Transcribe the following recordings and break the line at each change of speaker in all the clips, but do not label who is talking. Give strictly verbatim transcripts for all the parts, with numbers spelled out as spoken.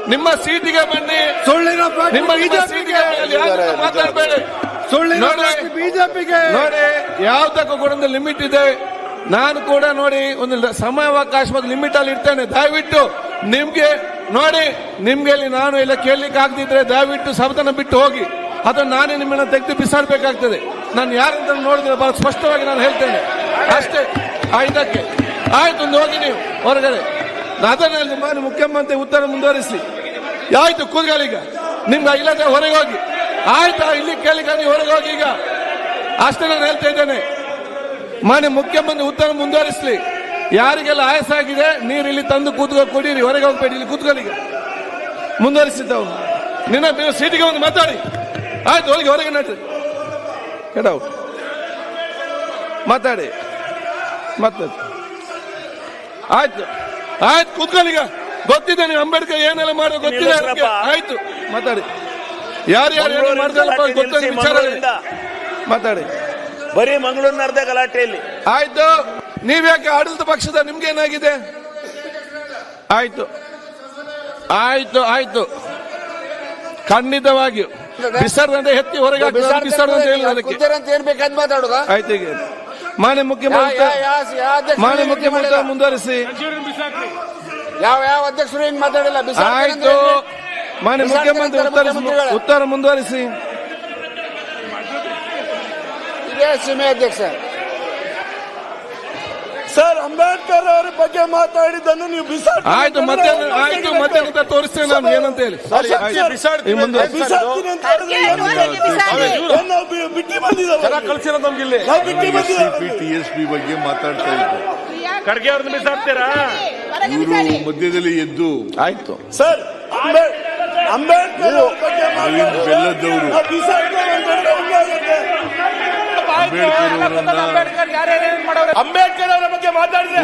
ನಿಮ್ಮ ಸೀಟಿಗೆ ಬನ್ನಿ.
ಸುಳ್ಳಿನ
ನಿಮ್ಮ ಸೀಟಿಗೆ ಮಾತಾಡಬೇಡಿ.
ಸುಳ್ಳಿನ ಬಿಜೆಪಿಗೆ
ನೋಡಿ, ಯಾವ್ದಕ್ಕೂ ಕೂಡ ಒಂದು ಲಿಮಿಟ್ ಇದೆ. ನಾನು ಕೂಡ ನೋಡಿ ಒಂದು ಸಮಯಾವಕಾಶ ಮತ್ತು ಲಿಮಿಟ್ ಅಲ್ಲಿ ಇರ್ತೇನೆ. ದಯವಿಟ್ಟು ನಿಮ್ಗೆ ನೋಡಿ, ನಿಮ್ಗೆ ಇಲ್ಲಿ ನಾನು ಎಲ್ಲ ಕೇಳಲಿಕ್ಕೆ ಆಗದಿದ್ರೆ ದಯವಿಟ್ಟು ಸದನ ಬಿಟ್ಟು ಹೋಗಿ, ಅದನ್ನು ನಾನೇ ನಿಮ್ಮನ್ನ ತೆಗೆದು ಬಿಸಾಡಬೇಕಾಗ್ತದೆ. ನಾನು ಯಾರಂತ ನೋಡಿದ್ರೆ ಬಹಳ ಸ್ಪಷ್ಟವಾಗಿ ನಾನು ಹೇಳ್ತೇನೆ ಅಷ್ಟೇ. ಆಯ್ತಕ್ಕೆ ಆಯ್ತು, ಒಂದು ಹೋಗಿ ನೀವು ಹೊರಗಡೆ. ಅದರಲ್ಲಿ ಮಾನ್ಯ ಮುಖ್ಯಮಂತ್ರಿ ಉತ್ತರ ಮುಂದುವರಿಸಿ. ಆಯ್ತು, ಕೂತ್ಕೊಳ್ಳೀಗ. ನಿಮ್ಗೆ ಇಲ್ಲದೆ ಹೊರಗೆ ಹೋಗಿ. ಆಯ್ತಾ, ಇಲ್ಲಿ ಕೇಳಿಕ ನೀವು ಹೊರಗೆ ಹೋಗಿ ಈಗ ಅಷ್ಟೇ ನಾನು ಹೇಳ್ತಾ ಇದ್ದೇನೆ. ಮಾನ್ಯ ಮುಖ್ಯಮಂತ್ರಿ ಉತ್ತರ ಮುಂದುವರಿಸಲಿ. ಯಾರಿಗೆಲ್ಲ ಆಯಾಸ ಆಗಿದೆ ನೀರು ಇಲ್ಲಿ ತಂದು ಕೂತ್ಕೊ ಕೊಡಿರಿ, ಹೊರಗೆ ಹೋಗ್ಬೇಡಿ, ಇಲ್ಲಿ ಕೂತ್ಕೊಳ್ಳೀಗ. ಮುಂದುವರಿಸಿದ್ದವು ನಿನ್ನ ಸೀಟಿಗೆ ಒಂದು ಮಾತಾಡಿ. ಆಯ್ತು, ಹೊರಗೆ ಹೊರಗೆ ನಡ್ರಿ, ಕೆಡವು ಮಾತಾಡಿ ಮಾತಾಡಿ. ಆಯ್ತು ಆಯ್ತು, ಕೂತ್ಕೊಳ್ಳೀಗ. ಗೊತ್ತಿದೆ ನೀವು ಅಂಬೇಡ್ಕರ್ ಏನೆಲ್ಲ ಮಾಡೋ ಗೊತ್ತಿದೆ. ಆಯ್ತು, ಮಾತಾಡಿ. ಯಾರು ಯಾರು ಏನು ಮಾಡ್ದಲ್ಲಪ್ಪ ಗೊತ್ತಿಲ್ಲ ವಿಚಾರ ಮಾತಾಡಿ.
ಬರೀ ಮಂಗಳೂರಿನ ಅರ್ಧ ಗಲಾಟೆಯಲ್ಲಿ.
ಆಯ್ತು, ನೀವ್ಯಾಕೆ ಆಡಳಿತ ಪಕ್ಷದ ನಿಮ್ಗೆ ಏನಾಗಿದೆ? ಆಯ್ತು ಆಯ್ತು ಆಯ್ತು, ಖಂಡಿತವಾಗಿಯೂ ಬಿಸರ್ದಂತೆ ಎತ್ತಿ ಹೊರಗೆ ಬಿಸರ್ದಂತೆ ಹೇಳಿ ಅದಕ್ಕೆ ಆಯ್ತು. ಈಗ ಮಾನ್ಯ ಮುಖ್ಯಮಂತ್ರಿ ಮಾನ್ಯ ಮುಖ್ಯಮಂತ್ರಿ ಮುಂದುವರಿಸಿ.
ಯಾವ ಯಾವ ಅಧ್ಯಕ್ಷರು ಹಿಂಗ್ ಮಾತಾಡಿಲ್ಲ.
ಆಯ್ತು, ಮಾನ್ಯ ಮುಖ್ಯಮಂತ್ರಿ ಉತ್ತರ ಉತ್ತರ ಮುಂದುವರಿಸಿ.
ಇದೇ ಸೀಮೆ ಅಧ್ಯಕ್ಷ
ಸರ್, ಅಂಬೇಡ್ಕರ್ ಅವರ ಬಗ್ಗೆ ಮಾತಾಡಿದ್ದನ್ನು ನೀವು ಬಿಸಾಡಿ.
ಆಯ್ತು, ಮತ್ತೆ ಆಯ್ತು, ಮತ್ತೆ ಅಂತ ತೋರಿಸ್ತೇನೆ ನಾನು ಏನಂತ ಹೇಳಿ.
ಬಿಟ್ಟಿ ಬಂದಿದ್ದಾರೆ
ಕಳ್ಸಿರೋ ನಮ್ಗೆ ಇಲ್ಲಿ
ಟಿ ಎಸ್ ಪಿ ಬಗ್ಗೆ ಮಾತಾಡ್ತಾ ಇದ್ದೆ.
ಖರ್ಗೆ ಅವ್ರನ್ನ ಬಿಸಾಡ್ತೀರಾ?
ಇವರು ಮಧ್ಯದಲ್ಲಿ ಎದ್ದು
ಆಯ್ತು
ಸರ್, ಅಂಬೇಡ್ಕರ್
ಅರವಿಂದ್ ಬೆಲ್ಲದವರು
ಅಂಬೇಡ್ಕರ್ ಅವರ ಬಗ್ಗೆ ಮಾತಾಡಿದ್ರೆ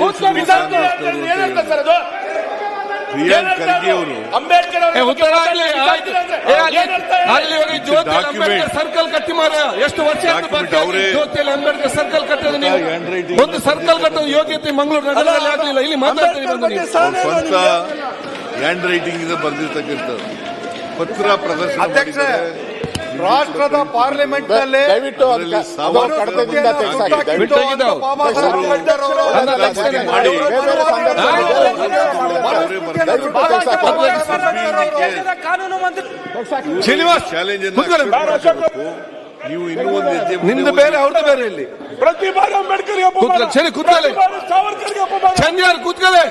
ಪ್ರಿಯಾಂಕ್ ಖರ್ಗೆ ಅವರು
ಅಂಬೇಡ್ಕರ್
ಸರ್ಕಲ್ ಕಟ್ಟಿ ಮಾರ ಎಷ್ಟು ವರ್ಷ ಜ್ಯೋತಿಯಲ್ಲಿ ಅಂಬೇಡ್ಕರ್ ಸರ್ಕಲ್ ಕಟ್ಟೋದು ನೀವು. ಒಂದು ಸರ್ಕಲ್ ಕಟ್ಟೋದು ಯೋಗ್ಯತೆ ಮಂಗಳೂರು ನಗರದಲ್ಲಿ ಆಗಲಿಲ್ಲ. ಇಲ್ಲಿ ಮಾತಾಡ್ತೀವಿ.
ಸ್ವಂತ ಹ್ಯಾಂಡ್ ರೈಟಿಂಗ್ ಇಂದ ಬರೆದಿರ್ತಕ್ಕಂಥದ್ದು ಪತ್ರ ಪ್ರದರ್ಶನ ಮಾಡಿದ್ದಾರೆ.
ರಾಷ್ಟ್ರದ ಪಾರ್ಲಿಮೆಂಟ್ ನಲ್ಲಿ
ದಯವಿಟ್ಟು
ಶ್ರೀನಿವಾಸ್
ಚಾಲೆಂಜ್ ನೀವು ಇನ್ನೂ ಒಂದು ಹೆಜ್ಜೆ
ನಿಮ್ದು ಬೇರೆ ಅವ್ರದ್ದು ಬೇರೆ. ಇಲ್ಲಿ
ಪ್ರತಿ ಬಾರಿ ಅಂಬೇಡ್ಕರ್
ಸರಿ ಕೂತ್ಕೊಳ್ಳಿ, ಚಂದ್ಯಾರ್ ಕೂತ್ಕೊಳ್ಳಿ.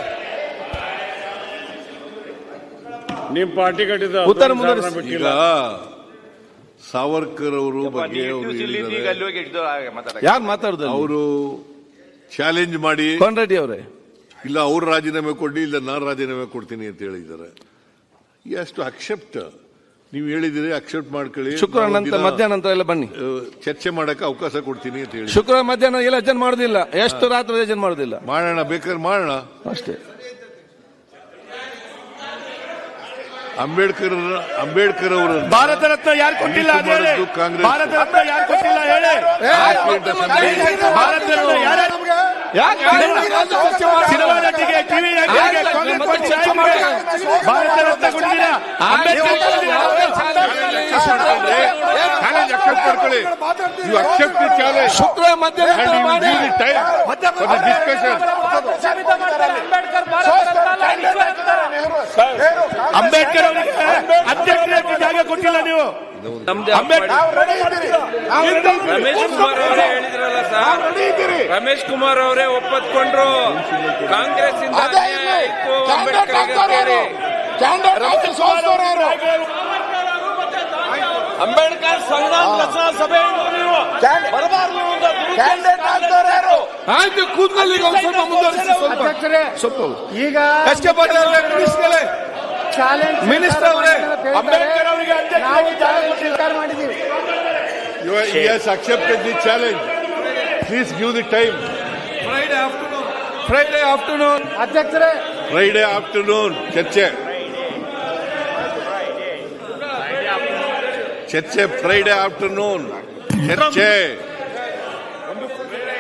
ನಿಮ್ ಪಾರ್ಟಿ ಕಟ್ಟಿದ
ಉತ್ತರ ಮುಂದುವರಿಸಿ.
ಈಗ ಸಾವರ್ಕರ್ ಅವರು ಬಗ್ಗೆ ಅವರು
ಯಾರು ಮಾತಾಡುದು?
ಅವರು ಚಾಲೆಂಜ್ ಮಾಡಿ
ಕೋನ್ ರೆಡ್ಡಿ ಅವರೇ,
ಇಲ್ಲ ಅವ್ರು ರಾಜೀನಾಮೆ ಕೊಡಿ, ಇಲ್ಲ ನಾನು ರಾಜೀನಾಮೆ ಕೊಡ್ತೀನಿ ಅಂತ ಹೇಳಿದ್ದಾರೆ. ಎಷ್ಟು ಅಕ್ಸೆಪ್ಟ್ ನೀವು ಹೇಳಿದಿರಿ, ಅಕ್ಸೆಪ್ಟ್ ಮಾಡ್ಕೊಳ್ಳಿ.
ಶುಕ್ರವಾರ ನಂತರ ಮಧ್ಯಾಹ್ನ ನಂತರ ಎಲ್ಲ ಬನ್ನಿ,
ಚರ್ಚೆ ಮಾಡಕ್ಕೆ ಅವಕಾಶ ಕೊಡ್ತೀನಿ ಅಂತ ಹೇಳಿ.
ಶುಕ್ರವಾರ ಮಧ್ಯಾಹ್ನ ಎಲ್ಲ ಅಜೆಂಡ್ ಮಾಡೋದಿಲ್ಲ, ಎಷ್ಟು ರಾತ್ರಿ ಅಜೆಂಡ್ ಮಾಡೋದಿಲ್ಲ.
ಮಾಡೋಣ, ಬೇಕಾದ್ರೆ ಮಾಡೋಣ
ಅಷ್ಟೇ.
ಅಂಬೇಡ್ಕರ್ ಅಂಬೇಡ್ಕರ್ ಅವರು
ಭಾರತ ರತ್ನ ಯಾರು ಕೊಟ್ಟಿಲ್ಲ?
ಕಾಂಗ್ರೆಸ್
ಭಾರತ ರತ್ನ ಯಾರು ಕೊಟ್ಟಿಲ್ಲ ಹೇಳಿ? ಭಾರತ ರತ್ನ ಯಾರು? ಸಿನಿಮಾ ನಟಿಗೆ, ಟಿವಿ ನಟಿಗೆ ಭಾರತ ರತ್ನ ಕೊಟ್ಟಿಲ್ಲ.
ಶುಕ್ರವಾರ ಮಧ್ಯಾಹ್ನ ಮಾಡಿ
ಅಂಬೇಡ್ಕರ್ ಅವರಿಗೆ ಅಧ್ಯಕ್ಷರಿಗೆ ಜಾಗ ಕೊಟ್ಟಿಲ್ಲ ನೀವು.
ರಮೇಶ್ ಕುಮಾರ್ ಅವರೇ ಹೇಳಿದ್ರಲ್ಲ ಸರ್, ರಮೇಶ್ ಕುಮಾರ್ ಅವರೇ ಒಪ್ಪತ್ಕೊಂಡ್ರು ಕಾಂಗ್ರೆಸ್ ಇಂದ ಆಯ್ತು ಅಂಬೇಡ್ಕರ್. ಅಂಬೇಡ್ಕರ್ ಸಂಗ್ರಾಮ ರಚನಾ ಸಭೆ
ಆಯ್ತು, ಕೂತ್ಕೊಳ್ಳಿ. ಈಗ ಒಂದು ಸ್ವಲ್ಪ ಮುಂದುವರಿಸಿ. ಸ್ವಲ್ಪ
ಈಗ
ಎಸ್ ಕೆ ಪಾಟೀಲ್ ಅವರೇ, ಮಿನಿಸ್ಟರ್ ಅವರೇ,
ಅಂಬೇಡ್ಕರ್ ಅವರಿಗೆ
ಸ್ವೀಕಾರ ಮಾಡಿದ್ದೀವಿ.
He has accepted the challenge. Please give the time.
Friday afternoon Friday afternoon
ಅಧ್ಯಕ್ಷರೇ,
ಫ್ರೈಡೆ ಆಫ್ಟರ್ನೂನ್ ಚರ್ಚೆ ಚರ್ಚೆ ಫ್ರೈಡೆ ಆಫ್ಟರ್ನೂನ್ ಚರ್ಚೆ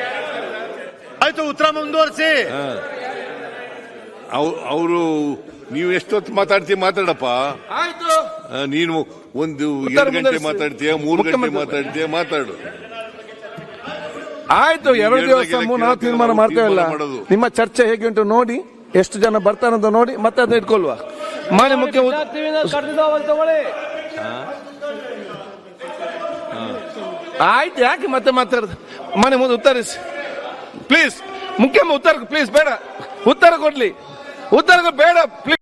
ಆಯ್ತು. ಉತ್ತರ ಮುಂದುವರಿಸಿ.
ಅವರು ನೀವು ಎಷ್ಟೊತ್ತು ಮಾತಾಡ್ತೀಯ ಮಾತಾಡಪ್ಪ.
ಆಯ್ತು.
ಆ, ನೀನು ಒಂದು
ಉತ್ತರ
ಎರಡು ಗಂಟೆ
ಮುಂದುವರಿಸಿ.
ಮಾತಾಡ್ತೀಯ, ಮೂರು ಗಂಟೆ
ಮುಖ್ಯಮಂತ್ರಿ-
ಮಾತಾಡ್ತೀಯ, ಮಾತಾಡು.
ಆಯ್ತು, ಎರಡು
ನೀವು
ದಿವಸ
ಹೇಳ್ದಾಗೆಲ್ಲ
ನಾವು ತೀರ್ಮಾನ
ನಾವು
ಮಾಡ್ತೇವಲ್ಲ.
ತೀರ್ಮಾನ ಮಾಡೋದು.
ನಿಮ್ಮ ಚರ್ಚೆ ಹೇಗೆ ಉಂಟು ನೋಡಿ, ಎಷ್ಟು ಜನ ಬರ್ತಾರಂತ ನೋಡಿ ಮತ್ತೆ ಅದನ್ನ ಇಟ್ಕೊಳ್ವಾ. ಮಾನ್ಯ ಮುಖ್ಯ ಆಯ್ತು, ಯಾಕೆ ಮತ್ತೆ ಮಾತಾಡುದು? ಮನೆ ಮುಂದೆ ಉತ್ತರಿಸಿ ಪ್ಲೀಸ್. ಮುಖ್ಯ ಉತ್ತರ ಪ್ಲೀಸ್, ಬೇಡ ಉತ್ತರ ಕೊಡ್ಲಿ, ಉತ್ತರ ಬೇಡ ಪ್ಲೀಸ್.